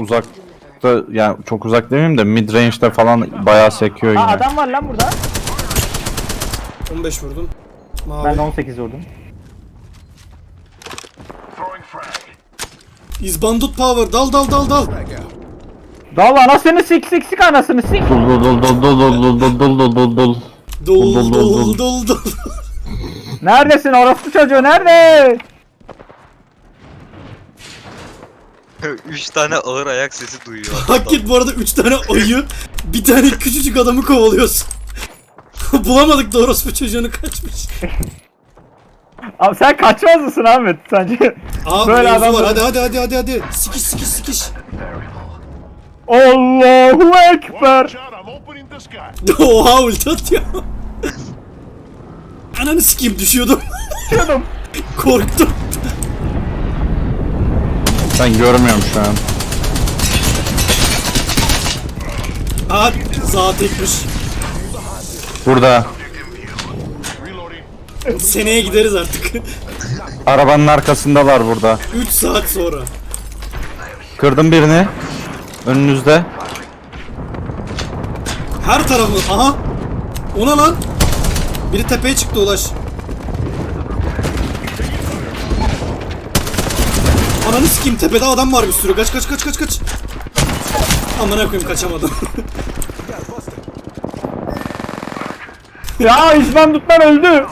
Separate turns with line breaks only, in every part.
uzakta, yani çok uzak demeyeyim de mid range'de falan bayağı sekiyor yine.
Aa adam var lan burada.
15 vurdum. Mavi.
Ben de 18 vurdum.
İzbandut power. Dal dal dal dal.
Dal anasını sik anasını sik.
Dol dol dol dol dol dol dol dol dol dol dol.
Dol dol dol dol.
Neredesin orospu çocuğu nerede?
3 tane ağır ayak sesi duyuyor.
Hakikaten bu arada 3 tane ayı, bir tane küçücük adamı kovalıyorsun. Bulamadık da orospu çocuğunu kaçmış.
Abi sen kaçmaz mısın Ahmet sence?
Aa
Böyle
mevzu
adam
var. Hadi. Sikiş sikiş sikiş.
Allahu Ekber.
Oha ulti atıyor. Ananı sikeyim düşüyordum.
Düşüyordum.
Korktum.
Ben görmüyorum şu an.
Aa zaten tekmiş.
Burada.
Seneye gideriz artık.
Arabanın arkasındalar burada.
3 saat sonra.
Kırdım birini. Önünüzde.
Her tarafı. Aha. Ona lan. Biri tepeye çıktı Ulaş. Ananı sikeyim tepede adam var bir sürü. Kaç. Amına koyayım kaçamadım.
Ya İzbandutlar öldü.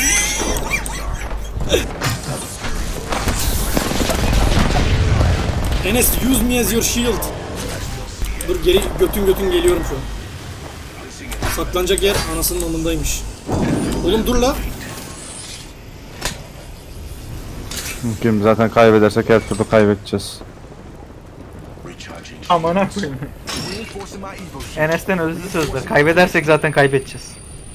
Enes use me as your shield. Dur geri götün geliyorum şu an. Saklanacak yer anasının amındaymış. Oğlum dur la.
Mümkün, zaten kaybedersek her türlü kaybedeceğiz.
Amına koyayım. Enes'ten özlü sözler. Kaybedersek zaten kaybedeceğiz.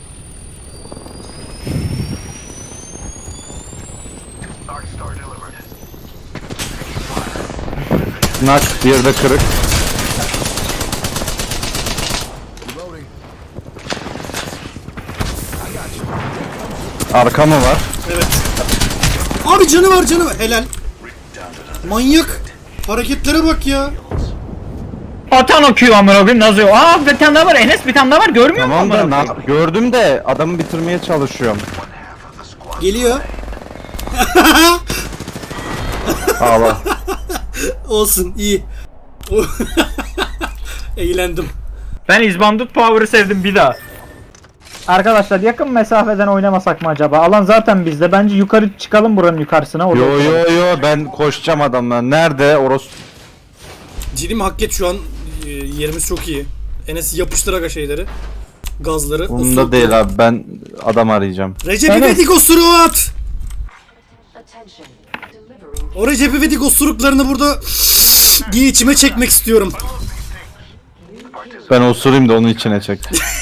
Nak, diğeri de kırık. Arka mı var?
Evet. Abi canı var. Helal. Manyak. Hareketlere bak ya.
Atan okuyor amına koyayım nasıl? Aa bir tane daha var Enes bir tane daha var görmüyor musun?
Tamam da gördüm de adamı bitirmeye çalışıyorum.
Geliyor.
Ağla.
Olsun iyi. Eğlendim.
Ben İzbandut Power'ı sevdim bir daha. Arkadaşlar yakın mesafeden oynamasak mı acaba? Alan zaten bizde. Bence yukarı çıkalım buranın yukarısına. Orada
Yo ben koşacağım adamlar. Nerede?
Ciddiyim hak et şu an yerimiz çok iyi. Enes yapıştır aga şeyleri. Gazları.
Bunda değil abi, ben adam arayacağım.
Recep
Evet.
İvedik osuruğu at. O Recep İvedik osuruklarını burada diye içime çekmek istiyorum.
Ben osurayım da onun içine çek.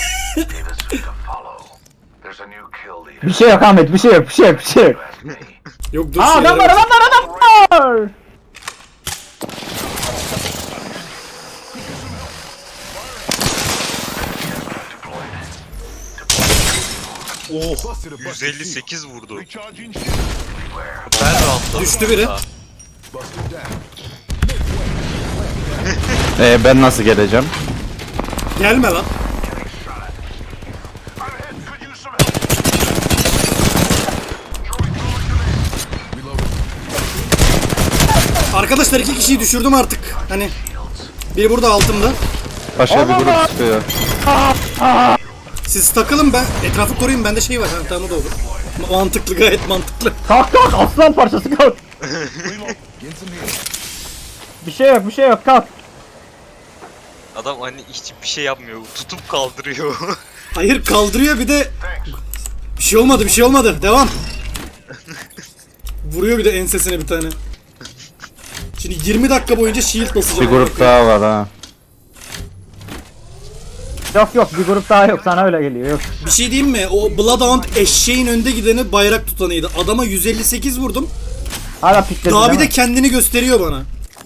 bir şey yok Ahmet bir şey yok.
Yok dur
Aa
şeyler
adam var.
Oh 158 vurdu. Ben rahatladım.
Düştü biri.
Ben nasıl geleceğim?
Gelme lan. Arkadaşlar 2 kişiyi düşürdüm artık. Hani biri burada altımda.
Başka bir grup çıkıyor.
Siz takılın ben etrafı koruyayım bende şey var. Ha, tamam o da olur. Mantıklı gayet mantıklı.
Kalk aslan parçası kalk. bir şey yok kalk.
Adam hani hiçbir şey yapmıyor. Tutup kaldırıyor.
Hayır kaldırıyor bir de bir şey olmadı devam. Vuruyor bir de ensesine bir tane. Şimdi 20 dakika boyunca shield basacağım.
Bir grup daha var ha.
Yok bir grup daha yok sana öyle geliyor yok.
Bir şey diyeyim mi? O Bloodhound eşeğin önde gideni bayrak tutanıydı. Adama 158 vurdum.
Hala pikledi
Daha bir
değil
de
mi?
kendini gösteriyor bana.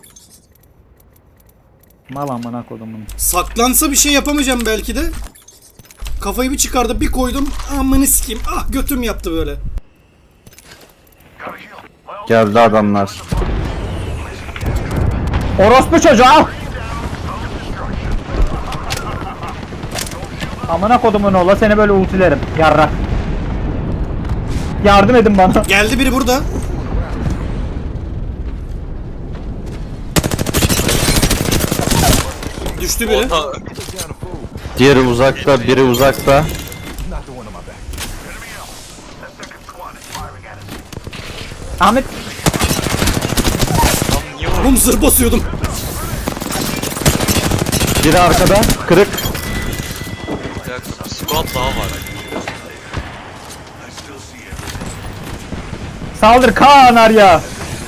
Mal amına kodumun.
Saklansa bir şey yapamayacağım belki de. Kafayı bir çıkardı bir koydum. Amanı sikeyim. Ah götüm yaptı böyle.
Geldi adamlar.
Orospu çocuğu al. Amına kodumun ola seni böyle ultilerim. Yarrak. Yardım edin bana.
Geldi biri burada. Düştü biri.
Orada
Diğeri uzakta, biri uzakta.
Ahmet
tam niye orada?
Oğlum zırh basıyordum.
Biri arkada, kırık.
Bir squad daha var.
saldır Kaan Arya.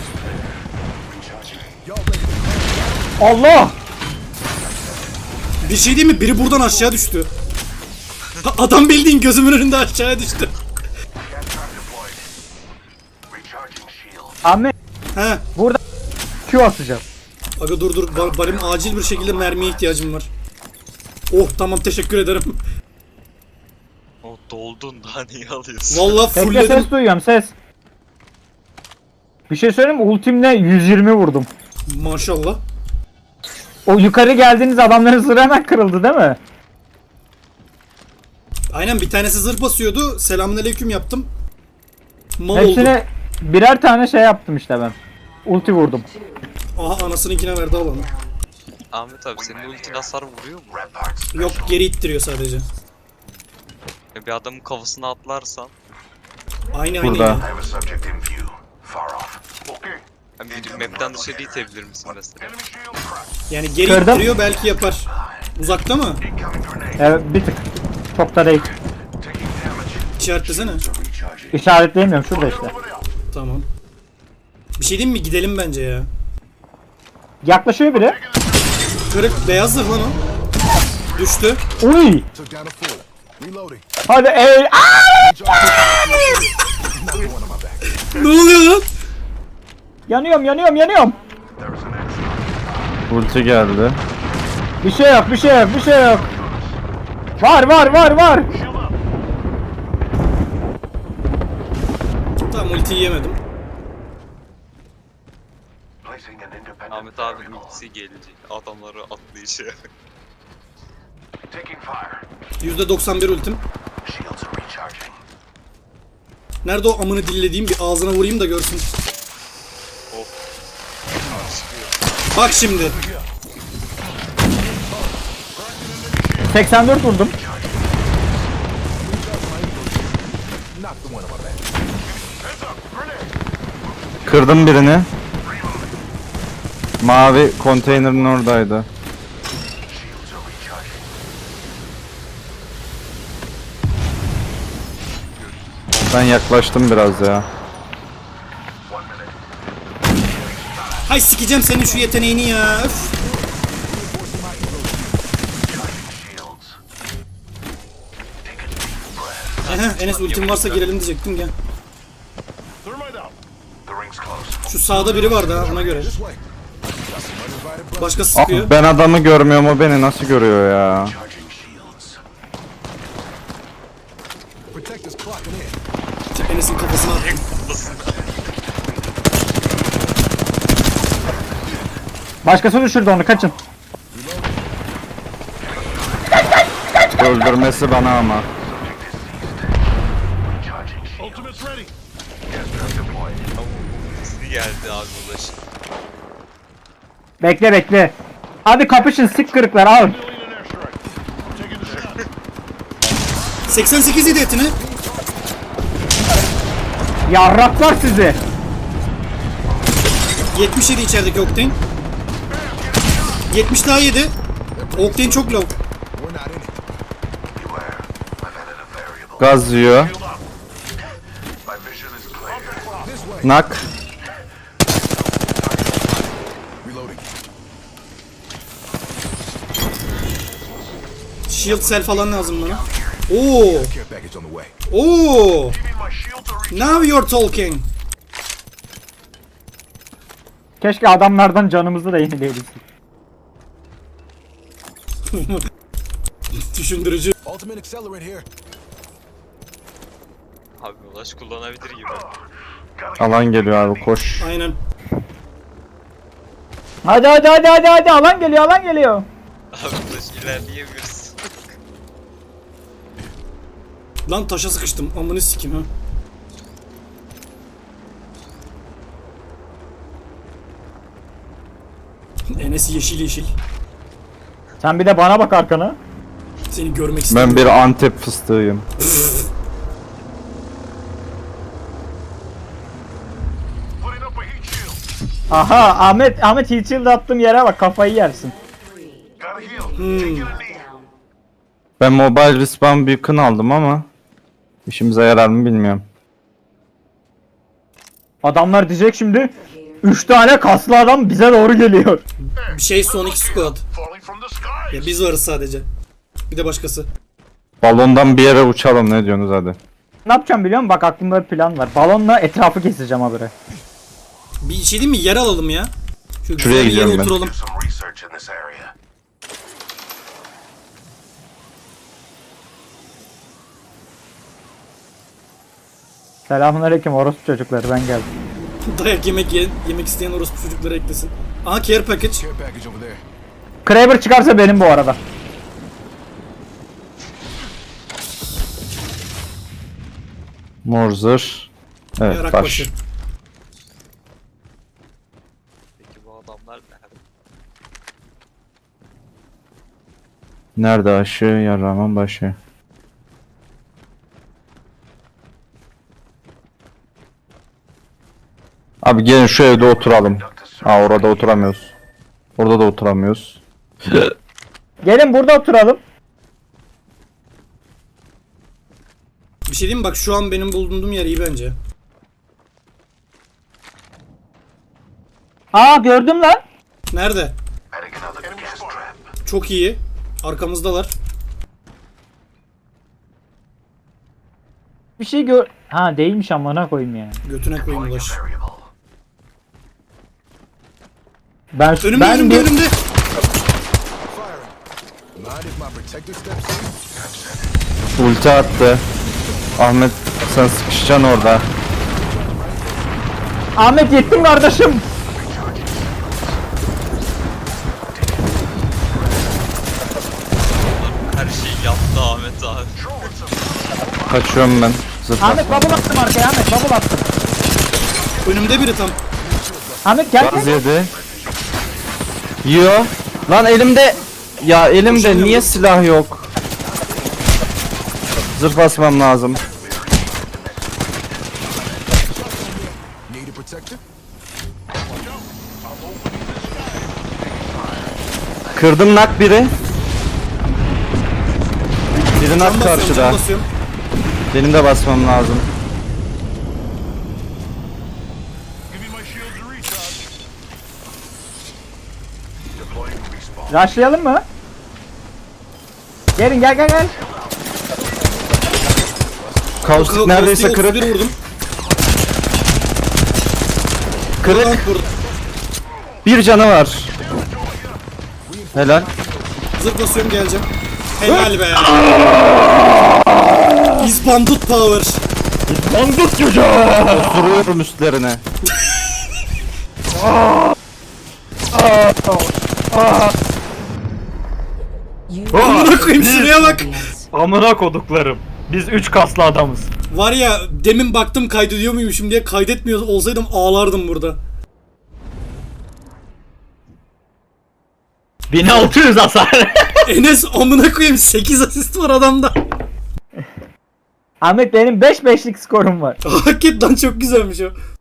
Allah.
Bir şey değil mi? Biri buradan aşağı düştü. Adam bildiğin gözümün önünde aşağıya düştü.
Ahmet
He.
burada Q atacağız.
Aga dur. Benim acil bir şekilde mermiye ihtiyacım var. Oh tamam teşekkür ederim.
O doldun daha niye alıyorsun?
Vallahi
Bekle
fullledim.
ses duyuyorum ses. Bir şey söyleyeyim mi? Ultimle 120 vurdum.
Maşallah.
O yukarı geldiğiniz adamların zırhı hemen kırıldı değil mi?
Aynen bir tanesi zırh basıyordu. Selamünaleyküm yaptım. Mal oldu.
Hepsine birer tane şey yaptım işte ben. Ulti vurdum.
Aha anasınınkine verdi alanı.
Ahmet abi senin ultin hasar vuruyor mu?
Yok geri ittiriyor sadece.
Ya bir adamın kafasına atlarsan
Aynı
Burada.
aynı.
hani bir map'ten dışarı itebilir misin mesela?
Yani geri
Kırdım.
ittiriyor belki yapar. Uzakta mı?
Evet bir tık. Çok da değil.
İşaretlesene.
İşaretleyemiyorum şurada işte.
Tamam. Bir şey diyeyim mi? Gidelim bence ya.
Yaklaşıyor biri.
Kırık beyaz zırh lan o. Düştü.
Uy.
Took down a fool. Reloading.
Hadi ey.
Ne oluyor lan?
Yanıyorum.
Ulti geldi.
Bir şey yok. Var.
Tamam ultiyi yemedim.
Ahmet abi ultisi gelecek. Adamları atlayışı.
%91 ultim. Nerede o amını dillediğim bir ağzına vurayım da görsün. Bak şimdi.
84 vurdum.
Knocked the one on my back.
Kırdım birini. Mavi konteynerin oradaydı. Ben yaklaştım biraz ya.
Hay sikeceğim senin şu yeteneğini ya. Öf. Enes ultim varsa girelim diyecektim gel. Şu sağda biri vardı ha ona göre. Başkası
Ah,
sıkıyor.
ben adamı görmüyorum, o beni nasıl görüyor ya?
Protectors clocking in.
Enes'in kafasına attım.
Başkası düşürdü onu kaçın.
Öldürmesi bana ama.
Ultisi geldi abi ulaşın.
Bekle. Hadi kapışın sik kırıklar al.
88 yedi etini.
Yarraklar sizi.
77 içerideki Octane. 70 daha yedi. Octane çok low.
We're not in it.
Gaz yiyor. Nak.
Reloading.
Shield cell falan lazım bana. Oo.
Care package on the way.
Oo. Now you're talking.
Keşke adamlardan canımızı da yenileyebilsek.
Düşündürücü.
Ultimate accelerant here.
Abi ulaş kullanabilir gibi.
Alan geliyor abi, koş.
Aynen.
Hadi alan geliyor.
Abi ulaş ilerleyemiyorsun.
Lan taşa sıkıştım. Amını sikim ha. Enes yeşil yeşil.
Sen bir de bana bak arkana.
Seni görmek istedim.
Ben bir Antep fıstığıyım.
Aha Ahmet heat shield attığım yere bak, kafayı yersin.
Ben Mobile Respawn Beacon aldım ama işimize yarar mı bilmiyorum.
Adamlar diyecek şimdi 3 tane kaslı adam bize doğru geliyor.
Bir şey Sonic Squad. Ya biz varız sadece. Bir de başkası.
Balondan bir yere uçalım, ne diyorsunuz hadi.
Ne yapacağım biliyor musun? Bak aklımda bir plan var. Balonla etrafı keseceğim habire.
Bir şey değil mi? Yer alalım ya. Şu
Şuraya
güzel bir yere
gidiyorum ben.
oturalım.
Some research in this area.
Selamünaleyküm orospu çocukları, ben geldim.
Dayak yemek isteyen orospu çocukları eklesin. Aha care package.
Care package over there.
Kraber çıkarsa benim bu arada.
Morzır. Evet,
Yarak
taş.
başı.
Peki bu adamlar nerede?
Nerede aşı, yaraman başı. Abi gelin şu evde oturalım. Aa, orada oturamıyoruz. Orada da oturamıyoruz.
Gelin burada oturalım.
Bir şey diyeyim mi? Bak şu an benim bulunduğum yer iyi bence.
Aa gördüm lan.
Nerede?
Adding another gas trap.
Çok iyi. Arkamızdalar.
Bir şey gör... Ha değilmiş, amına koyayım ya.
Götüne koyayım ulaş.
Variable.
Ben
Önümde
ben
önümde
bir-
önümde.
Firing. Mind if my protector steps in?
Ulti attı. Ahmet sen sıkışacaksın orada.
Ahmet yettim kardeşim.
Her şeyi yaptı Ahmet abi.
Kaçıyorum ben. Zıpla.
Ahmet bubble attım arkaya, Ahmet bubble attım.
Önümde biri tam.
Ahmet gel
Gaz
gel.
yedi. Yiyor. Lan elimde. Ya elimde
Koşamıyorum.
niye silah yok? Zırh basmam lazım.
Need a protector?
Kırdım nak biri. Biri nak
Can basıyorum,
karşıda.
can basıyorum.
Benim de basmam lazım.
Deploying respawn.
Rushlayalım mı? Gelin gel.
Kaustik neredeyse kırık.
31 vurdum.
Kırık.
Lan vurdum.
Bir canı var. Helal.
Zırh basıyorum, geleceğim. Helal be. İzbandut power.
Onduk çocuğu.
Vuruyorum üstlerine.
Amına koyayım, şuraya bak.
Amına koduklarım. Biz 3 kaslı adamız.
Var ya, demin baktım kaydediyor muymuşum diye, kaydetmiyor olsaydım ağlardım burada.
1600 hasar.
Enes amına koyayım, 8 asist var adamda.
Ahmet benim 5-5'lik skorum var.
Hakikaten çok güzelmiş o.